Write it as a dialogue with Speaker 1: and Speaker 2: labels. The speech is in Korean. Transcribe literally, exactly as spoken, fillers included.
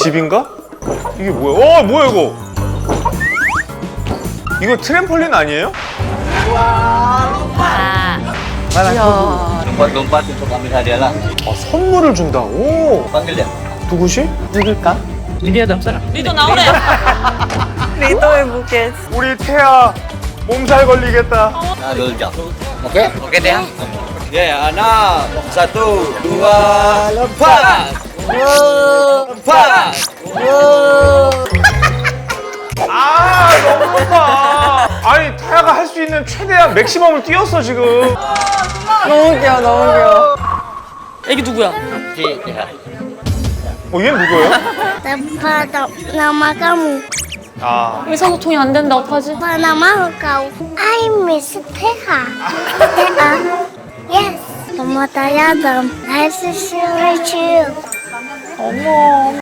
Speaker 1: 집인가? 이게 뭐야? 어, 뭐야 이거? 이거 트램펄린 아니에요?
Speaker 2: Lompat-lompat untuk ambil hadiah lah.
Speaker 1: 아, 선물을 준다. 오.
Speaker 2: Panggil dia.
Speaker 1: 누구시?
Speaker 3: 누굴까?
Speaker 4: 리도 나오래.
Speaker 3: 리더의 무게.
Speaker 1: 우리 태아 몸살 걸리겠다.
Speaker 2: Nah, dulu jam. Oke? Oke deh. Ya, anak. Satu, dua, lompat. Lompat.
Speaker 1: 아, 너무 높아. 아니, 태아가 할 수 있는 최대한 맥시멈을 뛰었어, 지금.
Speaker 3: 너무 귀여워, 너무 귀여워.
Speaker 4: 애기 누구야?
Speaker 2: Si, ya.
Speaker 1: 어, 얘는 누구예요?
Speaker 5: Apa nama kamu?
Speaker 1: 아,
Speaker 4: 의사소통이 안 된다. 어떡하지?
Speaker 5: Apa nama kau? I miss Teha. Teha. Yes. Kamu tanya dong. Nice to see you.
Speaker 4: 어머.